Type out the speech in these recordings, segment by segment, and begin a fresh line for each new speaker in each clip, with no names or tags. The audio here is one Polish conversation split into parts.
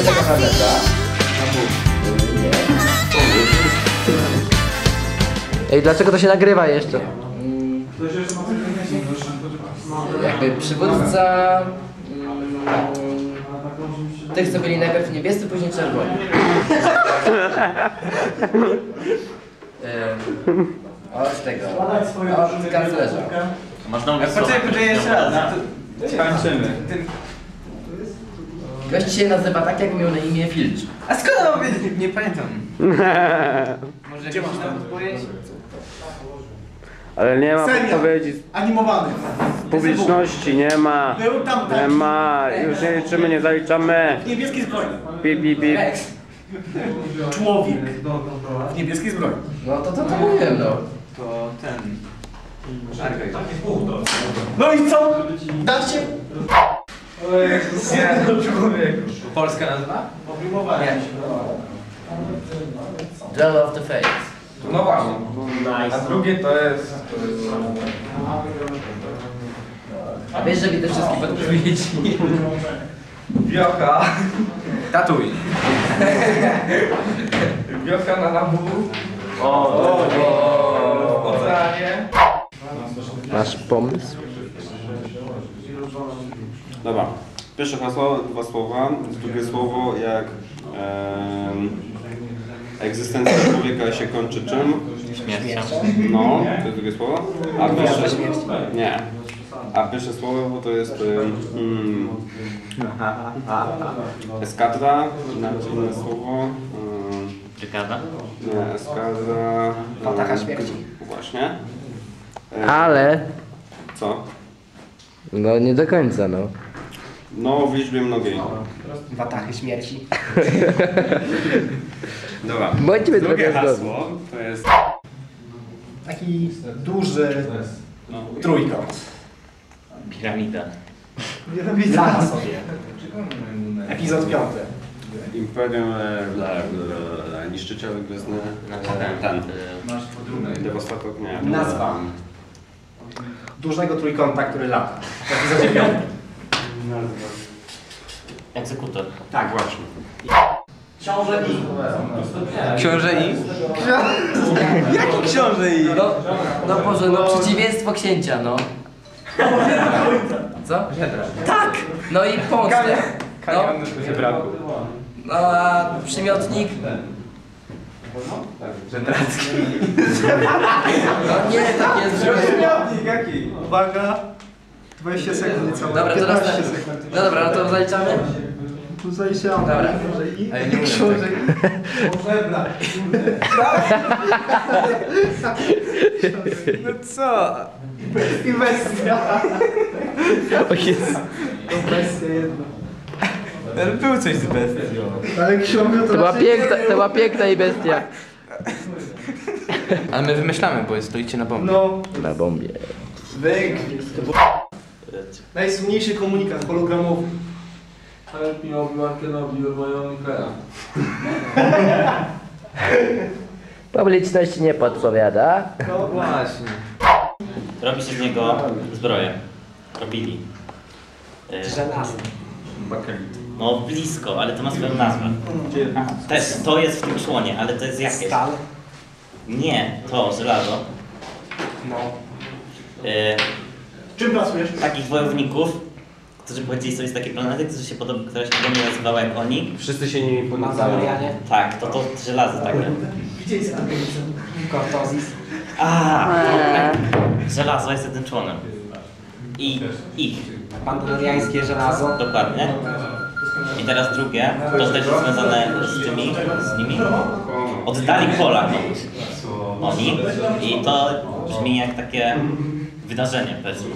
taka planeta. Nie.
Ej, dlaczego to się nagrywa jeszcze?
Jakby przywódca tych, co byli najpierw niebiescy, później czerwoni. Od tego, od kanclerza.
Masz na ulicy.
Poczekaj, jeszcze raz. Kończymy.
Gość się nazywa tak, jak miał na imię Filcz.
A skąd mam wiedzieć? Nie pamiętam. Może gdzie masz tam odpowiedź?
Ale nie ma podpowiedzi
Animowany.
z publiczności, nie ma.
Był tam taki.
Nie ma, już nie liczymy, nie zaliczamy.
W niebieskiej zbroi.
Pip, pip, pip.
Człowiek. W niebieskiej zbroi.
No to mówiłem, no.
To ten...
No i co? Dajcie.
Polska nazwa?
Nie.
Duel of the Fates.
No właśnie. A drugie to jest...
A wiesz, że widzę wszystkie podpowiedzi.
Wiocha. Tatuj. Wiocha na labu. W oceanie.
Masz pomysł?
Dobra. Pierwsze hasło, 2 słowa. Drugie słowo jak egzystencja człowieka się kończy czym?
Śmiercią.
No, to jest drugie słowo. A pierwsze... Nie. A pierwsze słowo to jest eskadra, inne słowo.
Brygada?
Nie, eskadra.
Patacha śmierci.
Właśnie.
Ale...
Co?
No nie do końca, no.
No, w liczbie mnogiej.
Watachy śmierci.
Dobra.
Bądźmy
Drugie
trochę zgodni.
hasło to jest...
Taki duży trójkąt.
Piramida.
Dla sobie. Epizod 5.
Imperium niszczyciele gwiezdne. Ten. Devastator, nie.
Nazwa. Dużego trójkąta, który lata. W epizodzie 5.
Egzekutor.
Tak, właśnie.
Książę I.
Książę I? Jaki książę I?
No Boże, no przeciwieństwo księcia, no. Co? Tak! No i pomstę. No. No a przymiotnik?
Żendracki.
No nie, tak jest, że...
Przymiotnik jaki?
Uwaga. 20 sekund niecałe.
Dobra, to
15
następny.
sekund.
No dobra, no to zaliczamy?
Tu zaliczyłam.
Dobra.
Książę I.
A ja nie umiem
Książę I. Potrzebna.
No co?
I bestia.
O Jezu.
To bestia jedna.
Ale był coś z bestią.
Ale książę
To była piękna i bestia.
Ale my wymyślamy, bo stoicie na bombie.
No.
Na bombie.
To był najsłynniejszy komunikat hologramowy.
Help me Obi-Wan Kenobi, you're my only friend.
Publiczność nie podpowiada.
No właśnie.
Robi się z niego zbroję. Robili.
Żelazny.
No blisko, ale to ma swoją nazwę. Też to jest w tym członie, ale to jest jakieś.
Stal.
Nie, to żelazo.
No.
Czym pracujesz?
Takich wojowników, którzy pochodzili sobie z takiej planety, która się podobnie nazywała jak oni.
Wszyscy się nimi podniecają.
Mazamorianie.
Tak, to żelazo takie.
Gdzie jest Argentyna?
Cortozis.
Żelazo jest jednym członem. I ich.
Pandaloriańskie żelazo.
Dokładnie. I teraz drugie, to też jest związane z nimi. Oddali pola komuś. Oni. I to brzmi jak takie wydarzenie, powiedzmy.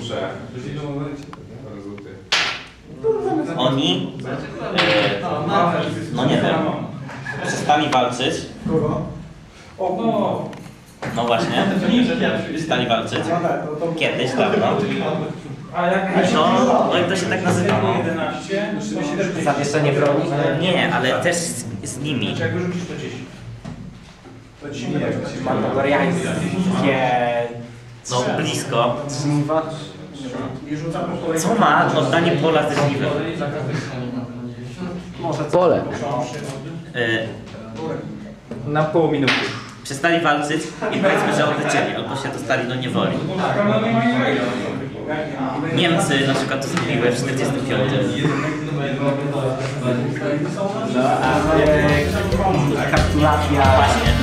Oni, no nie wiem, przestali walczyć. No właśnie, przestali walczyć. Kiedyś, dawno. No i to się tak nazywało.
Zawieszenie broni.
Nie, ale też z nimi.
Mandaloriańskie
No blisko.
żniwa.
Co ma oddanie pola ze żniwem?
Może co?
Pole.
Na pół minuty.
Przestali walczyć i powiedzmy, że odlecieli, albo się dostali do niewoli. Niemcy na przykład to zrobiły w 1945.
Kapitulacja.
Właśnie.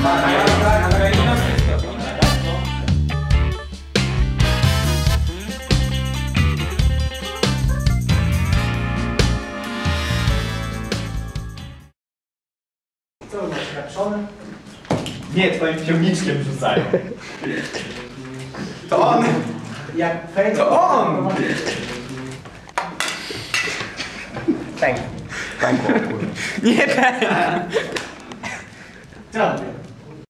Co, masz kapszone? Nie, twoim ciągniczkiem rzucają. To on! Jak fake? To on! Pęk. Pękło, kurwa. Nie pęk! Co?